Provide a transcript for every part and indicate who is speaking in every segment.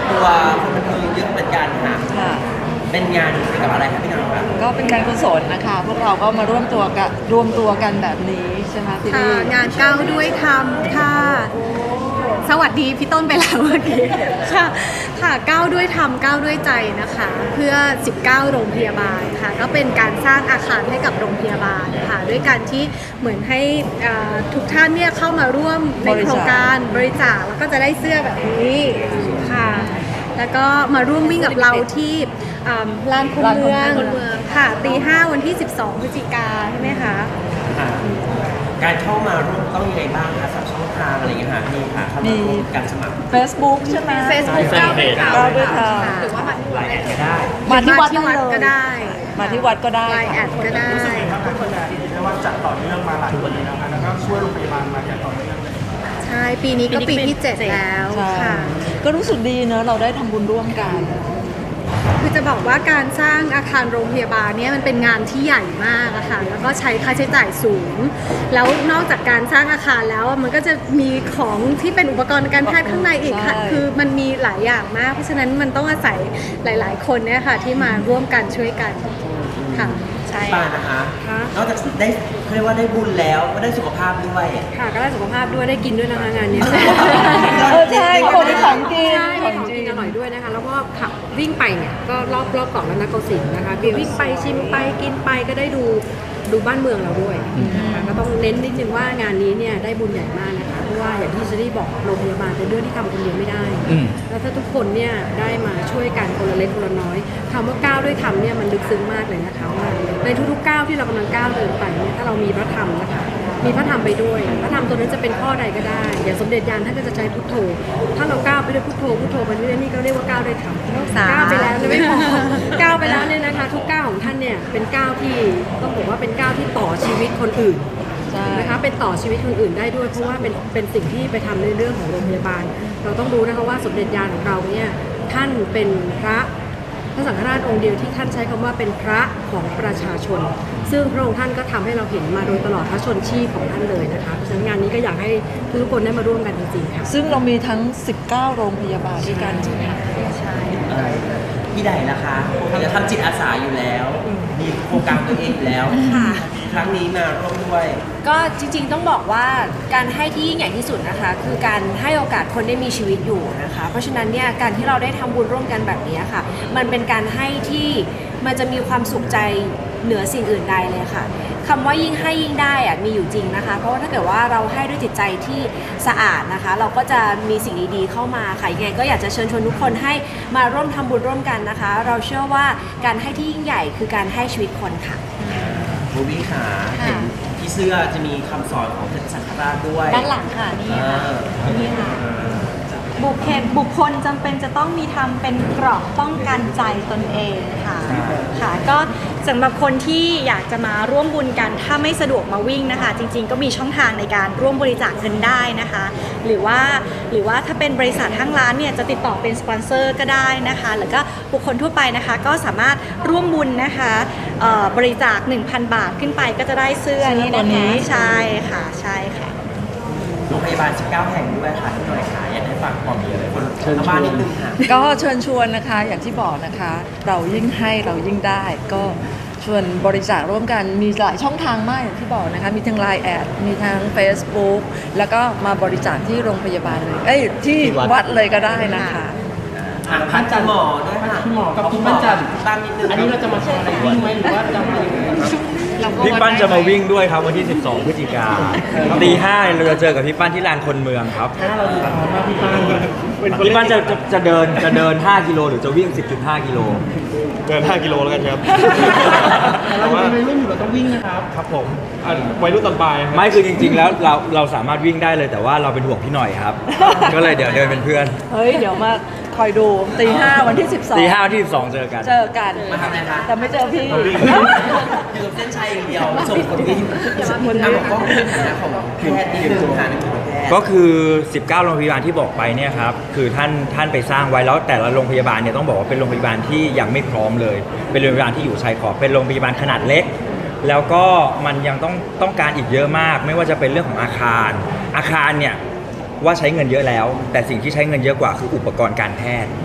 Speaker 1: ตัวคนบันเทิงเยอะเหมือนกันค่ะ
Speaker 2: ค่ะ
Speaker 1: เป็นงานเกี่ยวกับอะไรครับพี่น้องครับ
Speaker 2: ก็เป็นการกุศลนะคะพวกเราก็มาร่วมตัวกันแบบนี้ใช่ไหมพี่ลี่
Speaker 3: งานก้าวด้วยธรรมค่ะสวัสดีพี่ต้นไปแล้วเมื่อกี้ค่ะก้าวด้วยธรรมก้าวด้วยใจนะคะเพื่อ19โรงพยาบาลค่ะก็เป็นการสร้างอาคารให้กับโรงพยาบาลค่ะด้วยการที่เหมือนให้ทุกท่านเนี่ยเข้ามาร่วมในโครงการบริจาคแล้วก็จะได้เสื้อแบบนี้ค่ะแล้วก็มาร่วมวิ่งกับเราที่ลานคนเมืองค่ะตี 5วันที่12พฤศจิกาใช่ไหมคะ
Speaker 1: การเข้ามาร่วมต้องยังไงบ้างคะสับช่องทางอะไรอย่างเงี้ยค่ะพี่ค่ะเข้ามาร่วมการสมัคร
Speaker 2: Facebook ใช่ไหม
Speaker 3: Facebook ก้าวด้วยธรรมหรือว่า
Speaker 1: ไลน์แอดก็ได้
Speaker 2: มาที่วัด
Speaker 3: ก็ได้
Speaker 2: มาที่วัดก็ได้
Speaker 3: ไลน์แอดก็ได้
Speaker 4: รู้สึกไงครับทุกคนได้ว่าจัดต่อเนื่องมาหลายปีแล้วแล้วก็ช่วยโรงพยาบาลมาอย่างต่อเนื่องเลย
Speaker 3: ใช่ปีนี้ก็ปีที่7แล้วค่ะ
Speaker 2: ก็รู้สึกดีเนอะเราได้ทำบุญร่วมกัน
Speaker 3: คือจะบอกว่าการสร้างอาคารโรงพยาบาลเนี่ยมันเป็นงานที่ใหญ่มากอะค่ะแล้วก็ใช้ค่าใช้จ่ายสูงแล้วนอกจากการสร้างอาคารแล้วมันก็จะมีของที่เป็นอุปกรณ์การแพทย์ข้างในอีกค่ะคือมันมีหลายอย่างมากเพราะฉะนั้นมันต้องอาศัยหลายๆคนเนี่ยค่ะที่มาร่วมกันช่วยกันค่ะ
Speaker 1: ใช่ป้านะคะนอกจากได้เขาเรียกว่าได้บุญแล้วก็ได้สุขภาพด้วย
Speaker 5: ค่ะก็ได้สุขภาพด้วยได้กินด้วยนะคะงานนี้
Speaker 2: ใช่คนที่ของกิน
Speaker 5: ของกินอร่อยด้วยนะคะแล้วก็ขับวิ่งไปเนี่ยก็รอบเกาะแล้วนะโกสินทร์นะคะวิ่งไปชิมไปกินไปก็ได้ดูบ้านเมืองเราด้วยนะคะก็ต้องเน้นนิดนึงว่างานนี้เนี่ยได้บุญใหญ่มากนะคะเพราะว่าอย่างที่เชอรี่บอกโรงพยาบาลเป็นเรื่องที่ทำคนเดียวไม่ได้แล้วถ้าทุกคนเนี่ยได้มาช่วยกันคนละเล็กคนละน้อยคำว่าก้าวด้วยธรรมเนี่ยมันลึกซึ้งมากเลยนะคะว่าในทุกๆก้าวที่เรากำลังก้าวเดินไปเนี่ยถ้าเรามีพระธรรมนะคะมีพระธรรมไปด้วยพระธรรมตัวนั้นจะเป็นข้อใดก็ได้อย่างสมเด็จยานท่านก็จะใช้พุทโธถ้าเราก้าวไปด้วยพุทโธไปเรื่อยๆนี่ก็เรียกว่าก้าวด้วยธรรมก้าวไปแล้วไม่พอก้าวไปแล้วเนี่ยนะคะทุกก้าวของท่านเนี่ยเป็นก้าวที่ต้องบอกว่าเป็นก้าวที่ต่อชีวิตคนอื่นนะคะเป็นต่อชีวิตคนอื่นได้ด้วยเพราะว่าเป็นสิ่งที่ไปทำในเรื่องของโรงพยาบาลเราต้องรู้นะคะว่าสมเด็จยานของเราเนี่ยท่านเป็นพระสังฆราชองค์เดียวที่ท่านใช้คำว่าเป็นพระของประชาชนซึ่งพระองค์ท่านก็ทำให้เราเห็นมาโดยตลอดพระชนชีพของท่านเลยนะคะเพราะฉะนั้นงานนี้ก็อยากให้ทุกคนได้มาร่วมกันจริงๆค่ะ
Speaker 2: ซึ่งเรามีทั้ง19โรงพยาบาลด้วยกันใช่ไหม
Speaker 3: ใช่
Speaker 1: พี่ใดล่ะคะจะทำจิตอาสาอยู่แล้วมีโครงการตัวเองอยู่แล้วครั้งนี้มาร่วมด้วย
Speaker 5: ก็จริงๆต้องบอกว่าการให้ที่ยิ่งใหญ่ที่สุดนะคะคือการให้โอกาสคนได้มีชีวิตอยู่นะคะเพราะฉะนั้นเนี่ยการที่เราได้ทำบุญร่วมกันแบบนี้ค่ะมันเป็นการให้ที่มันจะมีความสุขใจเหนือสิ่งอื่นใดเลยค่ะคำว่ายิ่งให้ยิ่งได้อะมีอยู่จริงนะคะเพราะว่าถ้าเกิดว่าเราให้ด้วยจิตใจที่สะอาดนะคะเราก็จะมีสิ่งดีๆเข้ามาค่ะยังไงก็อยากจะเชิญชวนทุกคนให้มาร่วมทำบุญร่วมกันนะคะเราเชื่อว่าการให้ที่ยิ่งใหญ่คือการให้ชีวิตคนค่ะ
Speaker 1: บูบี้ขาเห็นที่เสื้อจะมีคำสอนของพระสังฆราชด้วย
Speaker 6: ด้านหลังค่ะนี่ค่ะนี่ค่ะบุคคลจำเป็นจะต้องมีทำเป็นเกราะป้องกันใจตนเองค่ะก็สำหรับคนที่อยากจะมาร่วมบุญกันถ้าไม่สะดวกมาวิ่งนะคะจริงๆก็มีช่องทางในการร่วมบริจาคเงินได้นะคะหรือว่าถ้าเป็นบริษัทห้างร้านเนี่ยจะติดต่อเป็นสปอนเซอร์ก็ได้นะคะหรือก็บุคคลทั่วไปนะคะก็สามารถร่วมบุญนะคะบริจาค 1,000 บาทขึ้นไปก็จะได้เสื้อนี้นะคะใช่ค่ะ
Speaker 1: โรงพยาบาล19แห่งด้วยค่ะที่หน่อยค่ะอยากให้ฝากความดีอะไรคนบ้านนิดนึงค่ะ
Speaker 2: ก็เชิญชวนนะคะอย่างที่บอกนะคะเรายิ่งให้เรายิ่งได้ก็ชวนบริจาคร่วมกันมีหลายช่องทางมากอย่างที่บอกนะคะมีทั้ง Line แอดมีทั้ง Facebook แล้วก็มาบริจาคที่โรงพยาบาลเลยที่วัดเลยก็ได้นะคะ
Speaker 1: พันจันหมอด้วยค่ะ
Speaker 4: หมอกับคุณปั้นจัน
Speaker 1: บ้านนิดนึง
Speaker 4: อันนี้เราจะมาโชว์อะไรวิ่งไหมหรือว่าจะมายังไง
Speaker 7: พี่ปั้นจะมาวิ่งด้วยครับวันที่12พฤศจิกายนตี 5เราจะเจอกับพี่ปั้นที่ลานคนเมืองครับ
Speaker 4: เราดูตอนว่าพี่
Speaker 7: ปั้นจะเดิน5 กิโลหรือจะวิ่ง 10.5 กิโล
Speaker 8: เดิน5 กิโลแล้วกันครับ
Speaker 4: เราเป็นวัยรุ่นอยู่เราต้องวิ่งนะครับ
Speaker 8: ครับผมวัยรุ่นตอนปลาย
Speaker 7: ไม่คือจริงๆแล้วเราสามารถวิ่งได้เลยแต่ว่าเราเป็นห่วงพี่หน่อยครับก็เลยเดี๋ยวเดินเป็นเพื่อน
Speaker 2: เดี๋ยวมาคอยดูตี 5วันที่12
Speaker 7: ตี 5วันที่12เจอกัน
Speaker 1: มาทำอะไรคะ
Speaker 2: แต่ไม่เจอพี่
Speaker 1: อยู่กับเส้นชัยอย่างเดียวส่งคนวิ่งบอกว่าเป็นฐานะของแพทย์นี่คือฐานะของแพทย์
Speaker 7: ก็คือ19โรงพยาบาลที่บอกไปเนี่ยครับคือท่านไปสร้างไว้แล้วแต่ละโรงพยาบาลเนี่ยต้องบอกว่าเป็นโรงพยาบาลที่ยังไม่พร้อมเลยเป็นโรงพยาบาลที่อยู่ชายขอบเป็นโรงพยาบาลขนาดเล็กแล้วก็มันยังต้องการอีกเยอะมากไม่ว่าจะเป็นเรื่องของอาคารเนี่ยว่าใช้เงินเยอะแล้วแต่สิ่งที่ใช้เงินเยอะกว่าคืออุปกรณ์การแพทย์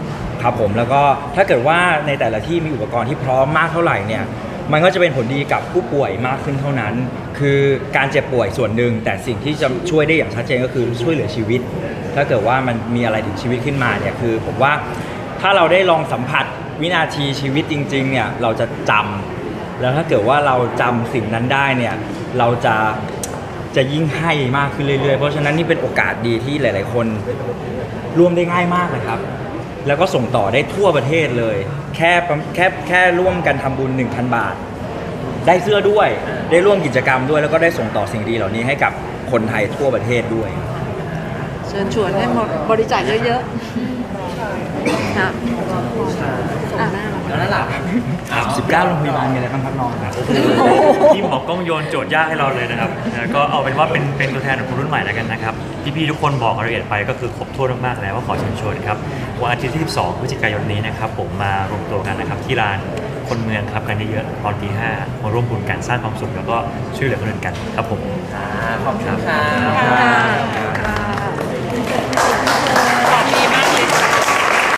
Speaker 7: ครับผมแล้วก็ถ้าเกิดว่าในแต่ละที่มีอุปกรณ์ที่พร้อมมากเท่าไหร่เนี่ยมันก็จะเป็นผลดีกับผู้ป่วยมากขึ้นเท่านั้น คือการเจ็บป่วยส่วนหนึ่งแต่สิ่งที่จะช่วยได้อย่างชัดเจนก็คือช่วยเหลือชีวิต ถ้าเกิดว่ามันมีอะไรถึงชีวิตขึ้นมาเนี่ยคือผมว่าถ้าเราได้ลองสัมผัสวินาทีชีวิตจริงๆเนี่ยเราจะจำแล้วถ้าเกิดว่าเราจำสิ่งนั้นได้เนี่ยเราจะยิ่งให้มากขึ้นเรื่อยๆเพราะฉะนั้นนี่เป็นโอกาสดีที่หลายๆคนร่วมได้ง่ายมากเลยครับแล้วก็ส่งต่อได้ทั่วประเทศเลยแค่ร่วมกันทำบุญ 1,000 บาท ได้เสื้อด้วยได้ร่วมกิจกรรมด้วยแล้วก็ได้ส่งต่อสิ่งดีเหล่านี้ให้กับคนไทยทั่วประเทศด้วย
Speaker 2: เชิญชวนให้หมดบริจาคเยอะๆค่ะ
Speaker 1: แล้วนั่นหลับ
Speaker 7: 19โรงพยาบาลมีอะไรบ้างครับน้องครับ
Speaker 9: ที่หมอกล้องโยนโจทย์ยากให้เราเลยนะครับก็เอาเป็นว่าเป็นตัวแทนของคนรุ่นใหม่แล้วกันนะครับพี่ๆทุกคนบอกรายละเอียดไปก็คือครบถ้วนมากๆแล้วว่าขอเชิญชวนครับวันอาทิตย์ที่ 12 พฤศจิกายนนี้นะครับผมมารวมตัวกันนะครับที่ลานคนเมืองครับกันเยอะๆตอนตี 5มาร่วมบุญกันสร้างความสุขแล้วก็ช่วยเหลือคนอื่นกันครับผม
Speaker 1: ขอบคุณค่ะ